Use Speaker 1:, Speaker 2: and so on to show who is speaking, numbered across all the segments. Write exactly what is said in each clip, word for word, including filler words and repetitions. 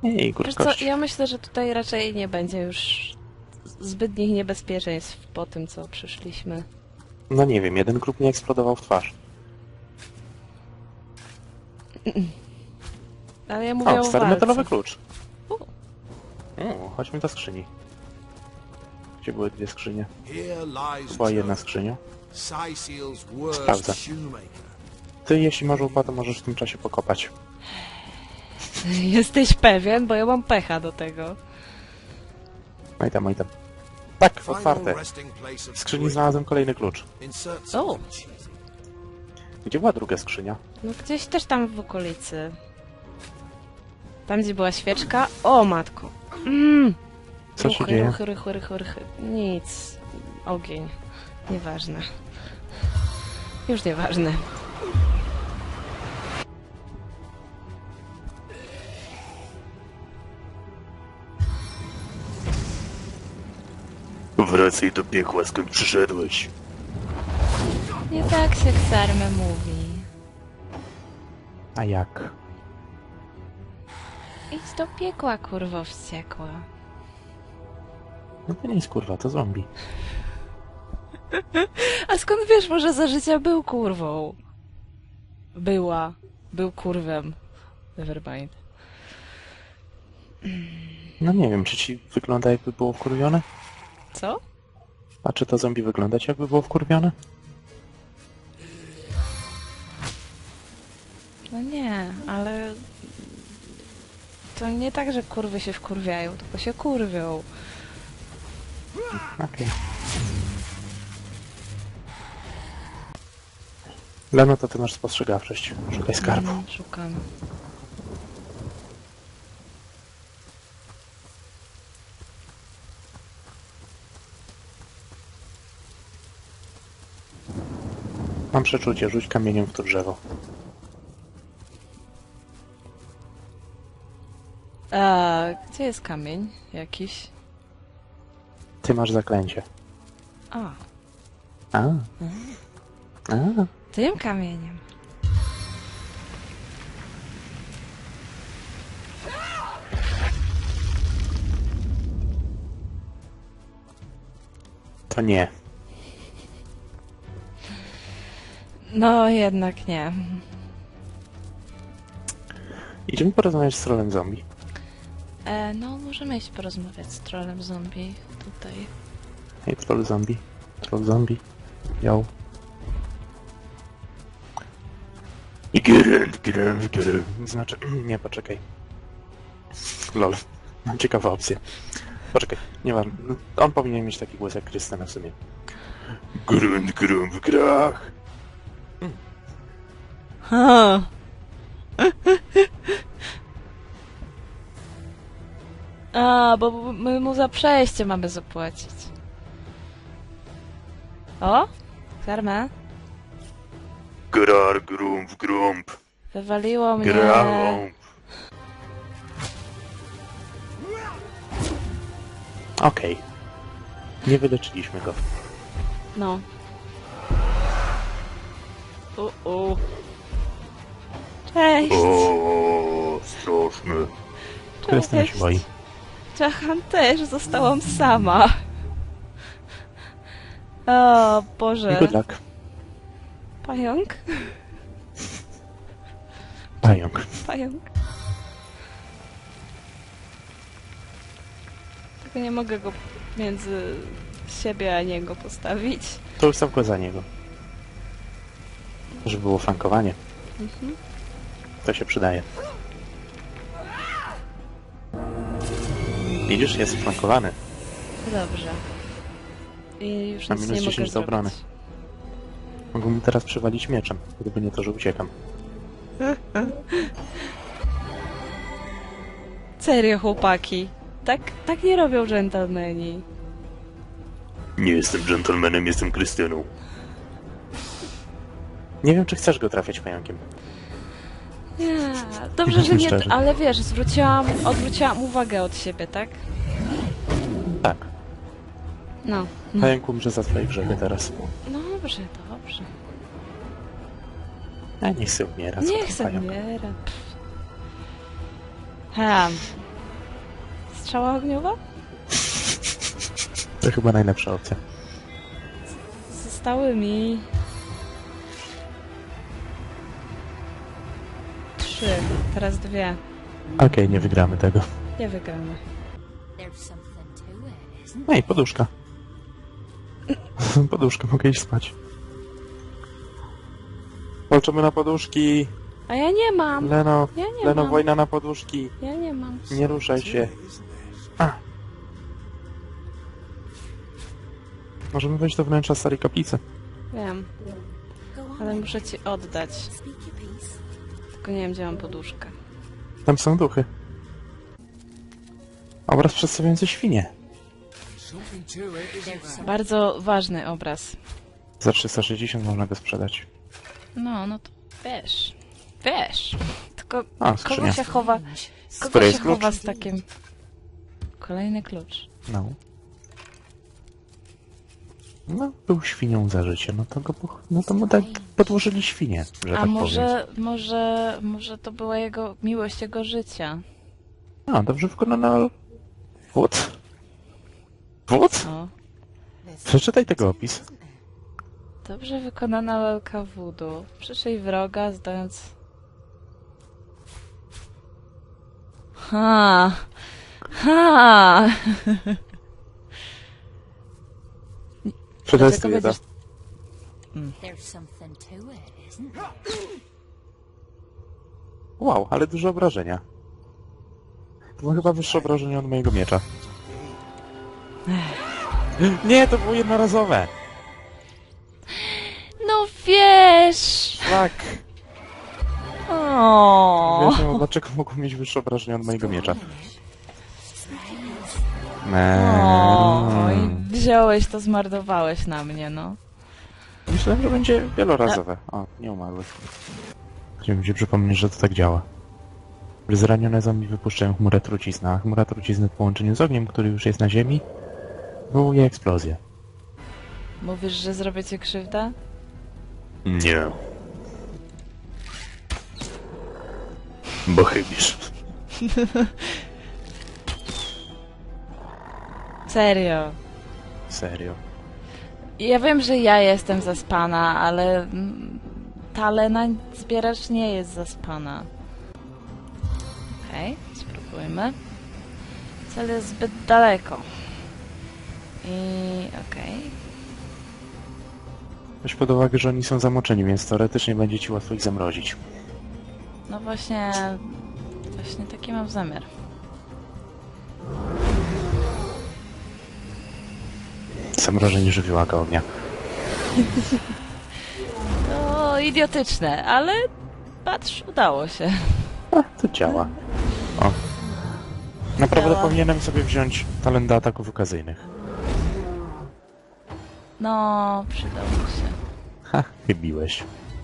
Speaker 1: Ej,
Speaker 2: Wiesz co,
Speaker 1: kurczkości.
Speaker 2: ja myślę, że tutaj raczej nie będzie już zbytnich niebezpieczeństw po tym, co przyszliśmy.
Speaker 1: No nie wiem, jeden grób nie eksplodował w twarz.
Speaker 2: Ale ja mówię
Speaker 1: O,
Speaker 2: o
Speaker 1: stary
Speaker 2: walce.
Speaker 1: metalowy klucz.
Speaker 2: U.
Speaker 1: O, chodźmy do skrzyni. Gdzie były dwie skrzynie?
Speaker 3: Here lies
Speaker 1: Była jedna
Speaker 3: Joe,
Speaker 1: skrzynia.
Speaker 3: Syceel's worst
Speaker 1: Sprawdzę.
Speaker 3: shoemaker.
Speaker 1: Ty, jeśli masz łopatę, możesz w tym czasie pokopać.
Speaker 2: Jesteś pewien? Bo ja mam pecha do tego.
Speaker 1: No i tam, no i tam. Tak,
Speaker 3: Final
Speaker 1: otwarte.
Speaker 3: resting place
Speaker 1: W
Speaker 3: of
Speaker 1: skrzyni
Speaker 3: three.
Speaker 1: znalazłem kolejny klucz.
Speaker 3: Insert
Speaker 2: O.
Speaker 3: something cheesy.
Speaker 1: Gdzie była druga skrzynia?
Speaker 2: No gdzieś też tam w okolicy. Tam, gdzie była świeczka. O, matko. Mm.
Speaker 1: Co się
Speaker 2: ruchy,
Speaker 1: dzieje?
Speaker 2: ruchy, ruchy, ruchy, ruchy. Nic. Ogień. Nieważne. Już nieważne.
Speaker 1: Wracaj do piekła, skąd przyszedłeś.
Speaker 2: Nie tak się Xarme mówi.
Speaker 1: A jak?
Speaker 2: Idź do piekła, kurwo wściekła.
Speaker 1: No to nie jest kurwa, to zombie.
Speaker 2: A skąd wiesz, może za życia był kurwą? Była. Był kurwem. Nevermind.
Speaker 1: No nie wiem, czy ci wygląda jakby było wkurwione?
Speaker 2: Co?
Speaker 1: A czy to zombie wygląda ci jakby było wkurwione?
Speaker 2: No nie, ale... To nie tak, że kurwy się wkurwiają, tylko się kurwią.
Speaker 1: Okej. Leno, to ty masz spostrzegawczość. Szukaj skarbu.
Speaker 2: Mm, Szukam.
Speaker 1: Mam przeczucie, rzuć kamieniem w to drzewo.
Speaker 2: A, gdzie jest kamień jakiś?
Speaker 1: Ty masz zaklęcie.
Speaker 2: A,
Speaker 1: A. A.
Speaker 2: tym kamieniem.
Speaker 1: To nie.
Speaker 2: No, jednak nie.
Speaker 1: Idziemy porozmawiać z trolem zombie.
Speaker 2: E, no, możemy iść porozmawiać z trolem zombie tutaj.
Speaker 1: Hej, troll zombie. Troll zombie. Yo. Geralt, Geralt, Geralt. Znaczy, nie, poczekaj. Lol. Mam ciekawą opcję. Poczekaj, nieważne. On powinien mieć taki głos jak Krystyna w sumie. Grunt, grum w grach.
Speaker 2: Ha. A, bo my mu za przejście mamy zapłacić. O? Karma?
Speaker 1: Grar, grump, grump.
Speaker 2: Wywaliło mnie.
Speaker 1: Grump. Okej. Nie wyleczyliśmy go.
Speaker 2: No. U, u. Cześć!
Speaker 1: O, straszny. Krystyna się boi.
Speaker 2: Czachan też, zostałam sama. O Boże.
Speaker 1: Good luck.
Speaker 2: Pająk?
Speaker 1: Pająk.
Speaker 2: Pająk. Tylko nie mogę go między siebie a niego postawić.
Speaker 1: To ustaw go za niego. Żeby było flankowanie.
Speaker 2: Mhm.
Speaker 1: To się przydaje. Widzisz, jest flankowany.
Speaker 2: Dobrze. I już
Speaker 1: Na
Speaker 2: nic
Speaker 1: minus
Speaker 2: nie mogę
Speaker 1: dziesięć do
Speaker 2: zrobić.
Speaker 1: obrony. Mogę mu teraz przywalić mieczem, gdyby nie to, że uciekam.
Speaker 2: Serio, chłopaki. Tak, tak nie robią dżentelmeni.
Speaker 1: Nie jestem dżentelmenem, jestem Krystyną. Nie wiem, czy chcesz go trafiać pająkiem.
Speaker 2: Nie, dobrze, że nie,
Speaker 1: Szczerze.
Speaker 2: ale wiesz, zwróciłam, odwróciłam uwagę od siebie, tak?
Speaker 1: Tak.
Speaker 2: No.
Speaker 1: Pająk umrze za twoje grzechy teraz.
Speaker 2: Dobrze, dobrze.
Speaker 1: A niech się umiera, co
Speaker 2: Nie
Speaker 1: tam
Speaker 2: chcę
Speaker 1: pająk.
Speaker 2: umierać. Ha. strzała ogniowa?
Speaker 1: To chyba najlepsza opcja.
Speaker 2: Zostały mi... Trzy, teraz dwie.
Speaker 1: Okej, nie wygramy tego.
Speaker 2: Nie wygramy.
Speaker 1: Ej, poduszka. Poduszka, mogę iść spać. Walczymy na poduszki.
Speaker 2: A ja nie mam!
Speaker 1: Leno,
Speaker 2: Ja nie
Speaker 1: Leno,
Speaker 2: mam.
Speaker 1: wojna na poduszki.
Speaker 2: Ja nie mam.
Speaker 1: Nie ruszaj się. A. Możemy wejść do wnętrza starej kaplicy.
Speaker 2: Wiem. Ale muszę ci oddać. Tylko nie wiem, gdzie mam poduszkę.
Speaker 1: Tam są duchy. Obraz przedstawiający świnie.
Speaker 3: Something to it, isn't there?
Speaker 2: Bardzo ważny obraz.
Speaker 1: Za trzysta sześćdziesiąt można go sprzedać.
Speaker 2: No, no to wiesz. Wiesz. Tylko
Speaker 1: A,
Speaker 2: kogo
Speaker 1: skrzynia.
Speaker 2: się chowa... Kogo
Speaker 1: której
Speaker 2: się
Speaker 1: jest klucz?
Speaker 2: chowa z takim... Kolejny klucz.
Speaker 1: No. No, był świnią za życie, no to go, po- no to mu tak podłożyli świnie, że
Speaker 2: A
Speaker 1: tak
Speaker 2: może, może, może to była jego miłość jego życia.
Speaker 1: powiem. A, dobrze wykonana... Wód? Wód?
Speaker 2: O.
Speaker 1: Przeczytaj tego opis.
Speaker 2: Dobrze wykonana lalka wudu. Przyszyj wroga, zdając... Ha! Ha!
Speaker 1: Przetestuję to.
Speaker 2: będziesz-
Speaker 4: There's something to it, isn't there?
Speaker 1: Wow, ale duże obrażenia. To ma chyba wyższe obrażenia od mojego miecza. Nie, to było jednorazowe!
Speaker 2: No wiesz!
Speaker 1: Tak!
Speaker 2: O.
Speaker 1: Wiesz, no, dlaczego mogło mieć wyższe obrażenia od mojego miecza? Eee,
Speaker 2: Oj, wziąłeś to, zmarnowałeś na mnie, no.
Speaker 1: Myślałem, że będzie wielorazowe. O, nie umarły. Chciałem się przypomnieć, że to tak działa. Zranione zombie wypuszczają chmurę trucizny, a chmura trucizny w połączeniu z ogniem, który już jest na ziemi, wywołuje eksplozję.
Speaker 2: Mówisz, że zrobię ci krzywdę?
Speaker 1: Nie. Bo chybisz.
Speaker 2: Serio.
Speaker 1: Serio.
Speaker 2: Ja wiem, że ja jestem zaspana, ale mm, ta Lena zbieracz nie jest zaspana. Okej, okay, spróbujmy. Cel jest zbyt daleko. I okej. Okay.
Speaker 1: Weź pod uwagę, że oni są zamoczeni, więc teoretycznie będzie ci łatwo ich zamrozić.
Speaker 2: No właśnie... Właśnie taki mam zamiar.
Speaker 1: Zamrożenie żywiołaka ognia.
Speaker 2: No, idiotyczne, ale patrz, udało się.
Speaker 1: A, to działa. O. Naprawdę
Speaker 2: Działa.
Speaker 1: powinienem sobie wziąć talent do ataków okazyjnych.
Speaker 2: No, przydało się.
Speaker 1: Ha, chybiłeś.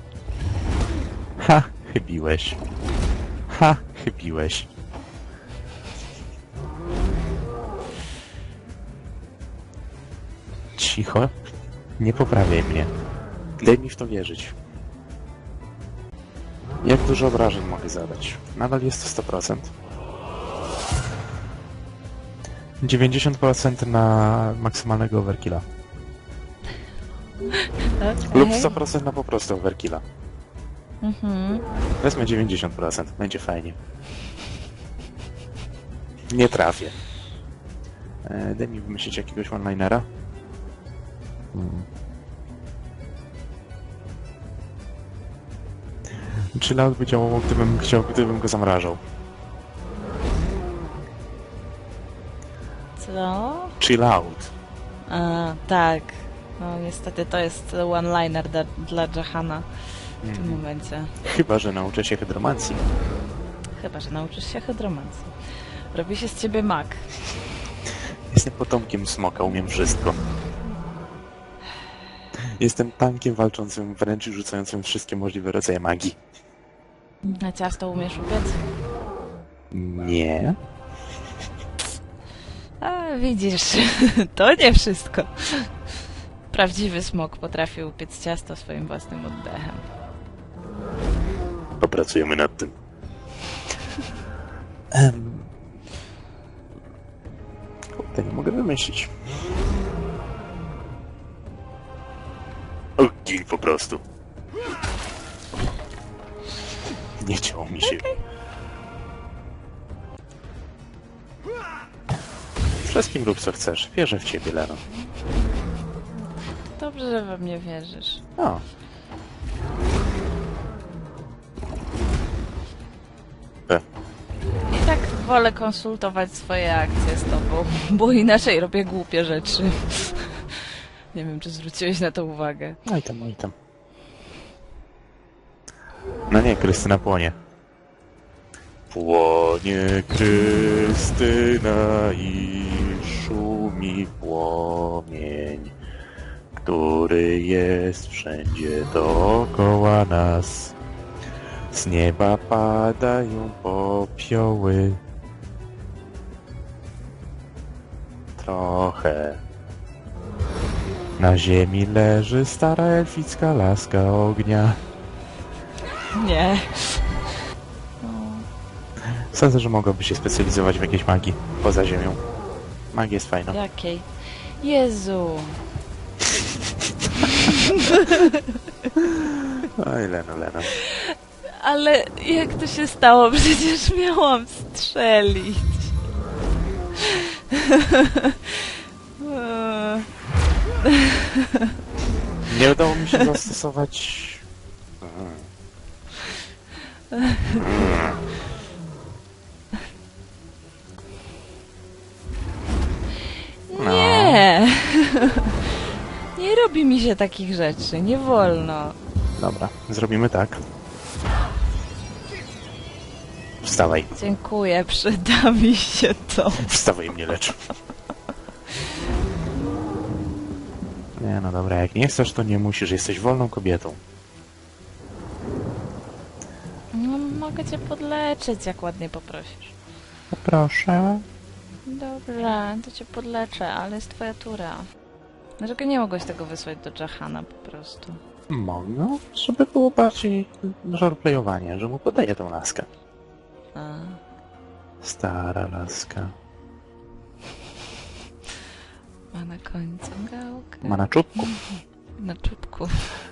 Speaker 1: Ha, chybiłeś. Ha, chybiłeś. Cicho. Nie poprawiaj mnie. Daj mi w to wierzyć. Jak dużo obrażeń mogę zadać? Nadal jest to sto procent. dziewięćdziesiąt procent na maksymalnego overkilla.
Speaker 2: Okay.
Speaker 1: Lub sto procent na po prostu overkilla.
Speaker 2: Mhm.
Speaker 1: Wezmę dziewięćdziesiąt procent, będzie fajnie. Nie trafię. E, daj mi wymyślić jakiegoś one-linera. Hmm. Chillout by działało, gdybym chciał, gdybym go zamrażał.
Speaker 2: Co?
Speaker 1: Chillout.
Speaker 2: A, tak. No niestety to jest one-liner dla, dla Jahana w tym momencie.
Speaker 1: Chyba że nauczę się hydromancji.
Speaker 2: Chyba, że nauczysz się hydromancji. Robi się z ciebie mag.
Speaker 1: Jestem potomkiem smoka, umiem wszystko. Jestem tankiem walczącym wręcz i rzucającym wszystkie możliwe rodzaje magii.
Speaker 2: Na ciasto umiesz upiec?
Speaker 1: Nie.
Speaker 2: A, widzisz, to nie wszystko. Prawdziwy smok potrafi upiec ciasto swoim własnym oddechem.
Speaker 1: Popracujemy nad tym. Um, To nie mogę wymyślić. O, gin po prostu. Nie chciało mi się. Wszystkim rób co chcesz. Wierzę w ciebie, Leno.
Speaker 2: Dobrze, że we mnie wierzysz.
Speaker 1: O. E.
Speaker 2: I tak wolę konsultować swoje akcje z tobą, bo inaczej robię głupie rzeczy. Nie wiem, czy zwróciłeś na to uwagę.
Speaker 1: No i tam, no i tam. No nie, Krystyna płonie. Płonie Krystyna i szumi płomień, który jest wszędzie dookoła nas. Z nieba padają popioły. Trochę. Na ziemi leży stara elficka laska ognia.
Speaker 2: Nie.
Speaker 1: Sądzę, że mogłaby się specjalizować w jakiejś magii poza ziemią. Magia jest fajna.
Speaker 2: Jakiej? Jezu.
Speaker 1: Oj, Leno, Leno.
Speaker 2: Ale jak to się stało? Przecież miałam strzelić.
Speaker 1: Nie udało mi się zastosować... No.
Speaker 2: Nie. Nie robi mi się takich rzeczy. Nie wolno.
Speaker 1: Dobra, zrobimy tak. Wstawaj.
Speaker 2: Dziękuję, przyda mi się to.
Speaker 1: Wstawaj, mnie lecz. Nie, no dobra, jak nie chcesz, to nie musisz. Jesteś wolną kobietą.
Speaker 2: No, mogę cię podleczyć, jak ładnie poprosisz.
Speaker 1: Proszę.
Speaker 2: Dobrze, to cię podleczę, ale jest twoja tura. Dlaczego nie mogłeś tego wysłać do Jahana po prostu?
Speaker 1: Mogę, żeby było bardziej roleplayowanie, że mu podaję tą laskę.
Speaker 2: A.
Speaker 1: Stara laska.
Speaker 2: Ma na końcu gałkę.
Speaker 1: Ma na czubku.
Speaker 2: Na czubku.